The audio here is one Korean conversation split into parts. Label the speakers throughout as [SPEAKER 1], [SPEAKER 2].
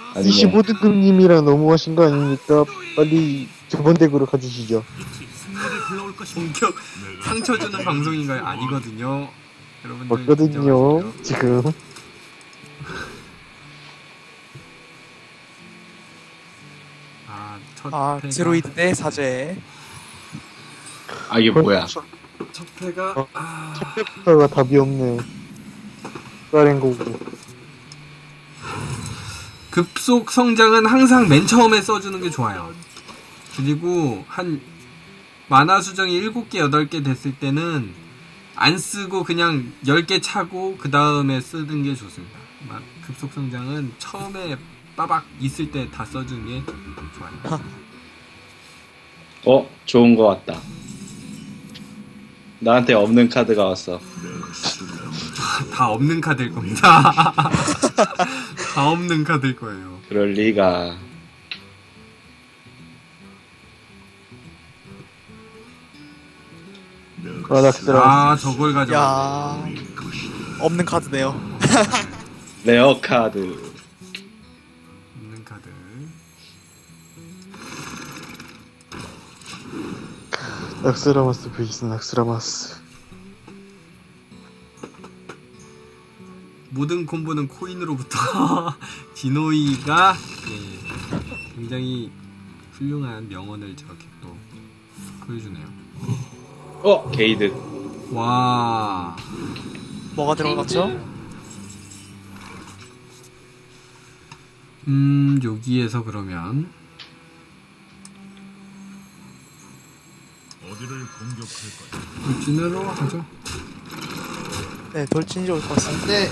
[SPEAKER 1] 아니 뭐
[SPEAKER 2] 25등급님이랑 너무하신 거 아닙니까? 빨리 저번 덱으로 가주시죠.
[SPEAKER 3] 본격 상처 주는 방송인가요? 아니거든요. 여러분들
[SPEAKER 2] 맞거든요,
[SPEAKER 3] 진정하시고요.
[SPEAKER 2] 지금.
[SPEAKER 3] 첫 패가
[SPEAKER 4] 제로이드 대 사제.
[SPEAKER 1] 아 이게 뭐야?
[SPEAKER 3] 첫 패가
[SPEAKER 2] 어. 첫째부터가 답이 없네. 까렌 거고.
[SPEAKER 3] 급속 성장은 항상 맨 처음에 써주는 게 좋아요. 그리고 한 만화 수정이 7개, 8개 됐을 때는 안 쓰고 그냥 10개 차고 그 다음에 쓰는 게 좋습니다. 급속 성장은 처음에 빠박 있을 때 다 써주는 게 좋아요.
[SPEAKER 1] 좋은 거 왔다. 나한테 없는 카드가 왔어.
[SPEAKER 3] 다 없는 카드일 겁니다. 다 없는 카드일 거예요.
[SPEAKER 1] 그럴 리가.
[SPEAKER 2] 락스라.
[SPEAKER 3] 저걸 가져왔네.
[SPEAKER 4] 야, 없는 카드네요.
[SPEAKER 1] 레어 카드.
[SPEAKER 3] 없는 카드.
[SPEAKER 2] 락스라마스 vs 락스라마스.
[SPEAKER 3] 모든 콤보는 코인으로부터 디노이가 굉장히 훌륭한 명언을 저렇게 또 보여주네요.
[SPEAKER 1] 게이드.
[SPEAKER 3] 와,
[SPEAKER 4] 뭐가 들어갔죠?
[SPEAKER 3] 여기에서 그러면
[SPEAKER 5] 어디를 공격할까요?
[SPEAKER 3] 돌진으로 하죠.
[SPEAKER 4] 네, 돌진이 올 것 같습니다.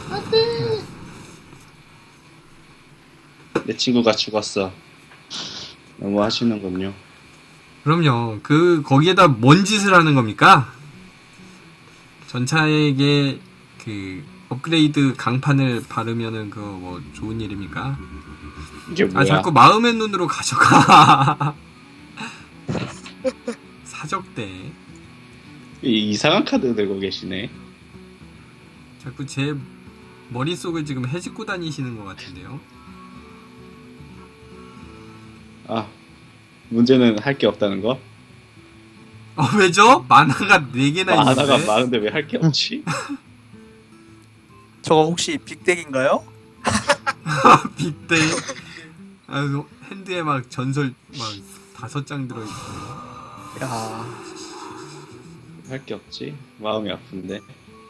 [SPEAKER 1] 내 친구가 죽었어. 너무 하시는군요.
[SPEAKER 3] 그럼요. 거기에다 뭔 짓을 하는 겁니까? 전차에게 업그레이드 강판을 바르면은 뭐 좋은 일입니까?
[SPEAKER 1] 이게 뭐야?
[SPEAKER 3] 자꾸 마음의 눈으로 가져가. 사적대.
[SPEAKER 1] 이상한 카드 들고 계시네.
[SPEAKER 3] 자꾸 제 머릿속을 지금 헤집고 다니시는 것 같은데요.
[SPEAKER 1] 문제는 할 게 없다는 거?
[SPEAKER 3] 왜죠? 만화가 4개나
[SPEAKER 1] 하나가
[SPEAKER 3] 있는데.
[SPEAKER 1] 많은데 왜 할 게 없지?
[SPEAKER 4] 저거 혹시 빅덱인가요?
[SPEAKER 3] 빗대. 핸드에 막 전설 5장 들어있고.
[SPEAKER 4] 야,
[SPEAKER 1] 할 게 없지? 마음이 아픈데.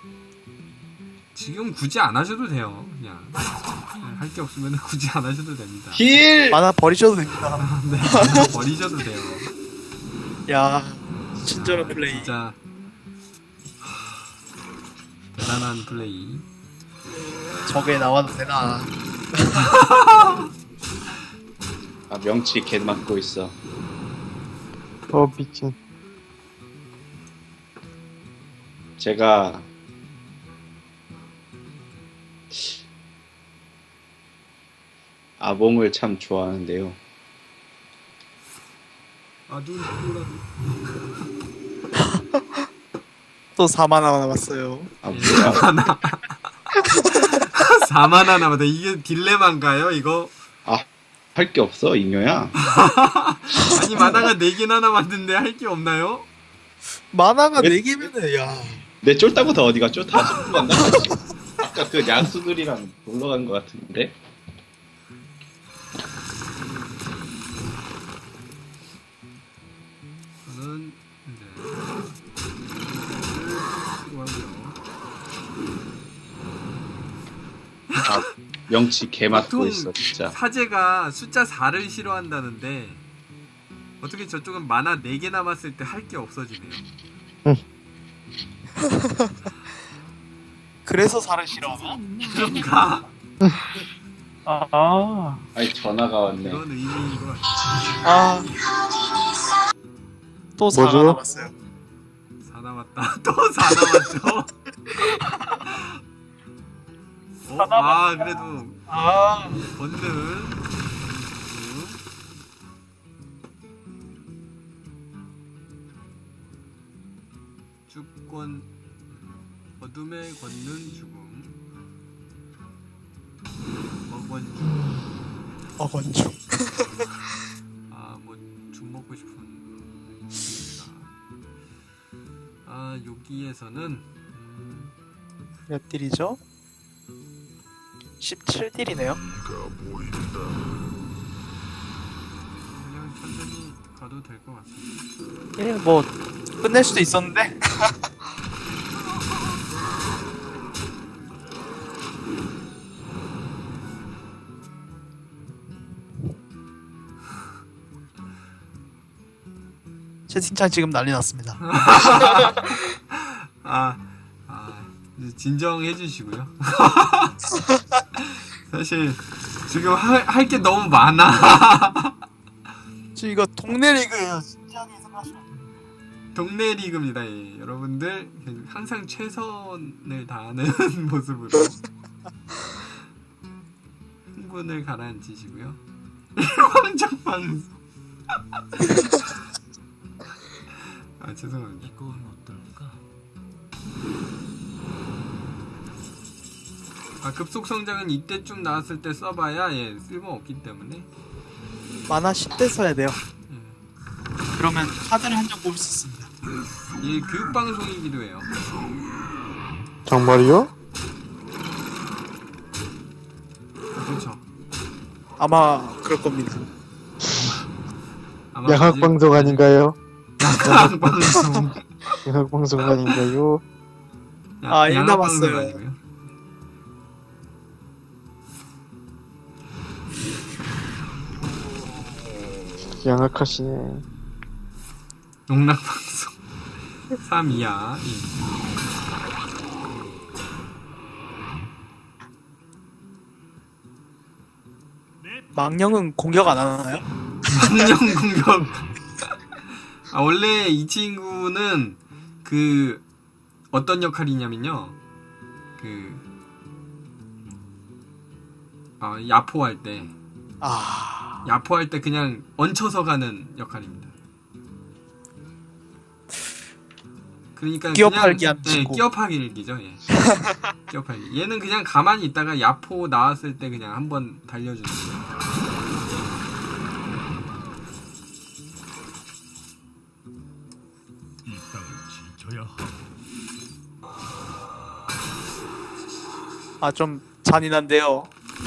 [SPEAKER 3] 지금 굳이 안 하셔도 돼요. 그냥 할 게 없으면 굳이 안 하셔도 됩니다.
[SPEAKER 1] 힐!
[SPEAKER 4] 만화 버리셔도 됩니다.
[SPEAKER 3] 네, 만화 버리셔도 돼요.
[SPEAKER 4] 야, 친절한 플레이.
[SPEAKER 3] 진짜 대단한 플레이.
[SPEAKER 4] 저게 나와도 되나?
[SPEAKER 1] 명치 개 맞고 있어.
[SPEAKER 2] 미친.
[SPEAKER 1] 제가 아봉을 참 좋아하는데요.
[SPEAKER 4] 또 4만 원 남았어요.
[SPEAKER 1] 뭐야?
[SPEAKER 3] 4만화 남았다. 이게 딜레마인가요, 이거?
[SPEAKER 1] 할 게 없어, 잉여야.
[SPEAKER 3] 아니, 만화가 4개나 남았는데 할 게 없나요?
[SPEAKER 4] 만화가
[SPEAKER 1] 왜-
[SPEAKER 4] 4개면은, 야.
[SPEAKER 1] 내 쫄다고 다 어디가 쫄다 싶고 만나. 아까 그 야수들이랑 놀러 간 것 같은데.
[SPEAKER 3] 저는 이제 쓰고 하고요.
[SPEAKER 1] 명치 개 맞고
[SPEAKER 3] 보통
[SPEAKER 1] 있어, 진짜.
[SPEAKER 3] 사제가 숫자 4를 싫어한다는데 어떻게 저쪽은 만화 4개 남았을 때 할 게 없어지네요.
[SPEAKER 4] 그래서 살을 싫어하나?
[SPEAKER 3] 그런가?
[SPEAKER 1] 아니 전화가 왔네.
[SPEAKER 3] 그런 의미인 것 같아요.
[SPEAKER 4] 아. 또 4가
[SPEAKER 2] 뭐죠?
[SPEAKER 4] 남았어요.
[SPEAKER 3] 4 남았다. 또 4 남았죠? 그래도 번든 죽권 어둠에 걷는 죽음 먹원
[SPEAKER 4] 어건충.
[SPEAKER 3] 뭐 죽 먹고 싶은 분이다. 여기에서는
[SPEAKER 4] 몇 딜이죠? 17딜이네요.
[SPEAKER 3] 그냥 천천히 가도 될 것 같습니다.
[SPEAKER 4] 예, 뭐 끝낼 수도 있었는데. 채팅창 지금 난리 났습니다.
[SPEAKER 3] 이제 진정해 주시고요. 사실 지금 할 게 너무 많아.
[SPEAKER 4] 지금 이거 동네 리그예요. 진지하게 생각하시면 돼요.
[SPEAKER 3] 동네 리그입니다. 예. 여러분들 항상 최선을 다하는 모습으로 흥분을 가라앉히시고요. 일방적 방송. 죄송합니다.
[SPEAKER 5] 이건 어떨까?
[SPEAKER 3] 급속 성장은 이때쯤 나왔을 때 써봐야 쓸모 없기 때문에.
[SPEAKER 4] 만화 10대 써야 돼요. 그러면 카드를 한 장 뽑을 수 있습니다.
[SPEAKER 3] 교육 방송이기도 해요.
[SPEAKER 2] 정말이요?
[SPEAKER 3] 그렇죠.
[SPEAKER 4] 아마 그럴 겁니다.
[SPEAKER 3] 아마
[SPEAKER 2] 양학 방송 아닌가요?
[SPEAKER 3] 양학 방송.
[SPEAKER 2] 양학 방송 아닌가요?
[SPEAKER 4] 일
[SPEAKER 3] 양학
[SPEAKER 4] 남았어요.
[SPEAKER 3] 방송 아니고요.
[SPEAKER 2] 양학하시네.
[SPEAKER 3] 농락 방송 3 이하.
[SPEAKER 4] 망령은 공격 안 하나요?
[SPEAKER 3] 망령 공격. 원래 이 친구는 어떤 역할이냐면요. 야포할 때 야포할 때 그냥 얹혀서 가는 역할입니다. 그러니까
[SPEAKER 4] 끼어팔기
[SPEAKER 3] 그냥,
[SPEAKER 4] 안 치고.
[SPEAKER 3] 끼어팔기죠. 예. 끼어팔기. 얘는 그냥 가만히 있다가 야포 나왔을 때 그냥 한번 달려주는 거예요.
[SPEAKER 5] 이 땅을 지켜야 하고
[SPEAKER 4] 좀 잔인한데요.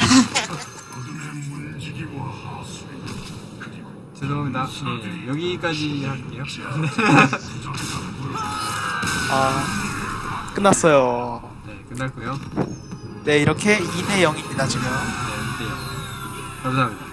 [SPEAKER 3] 죄송합니다. 네, 여기까지 할게요.
[SPEAKER 4] 끝났어요.
[SPEAKER 3] 네, 끝났고요.
[SPEAKER 4] 네, 이렇게 2대 0입니다 지금.
[SPEAKER 3] 네, 2대0. 감사합니다.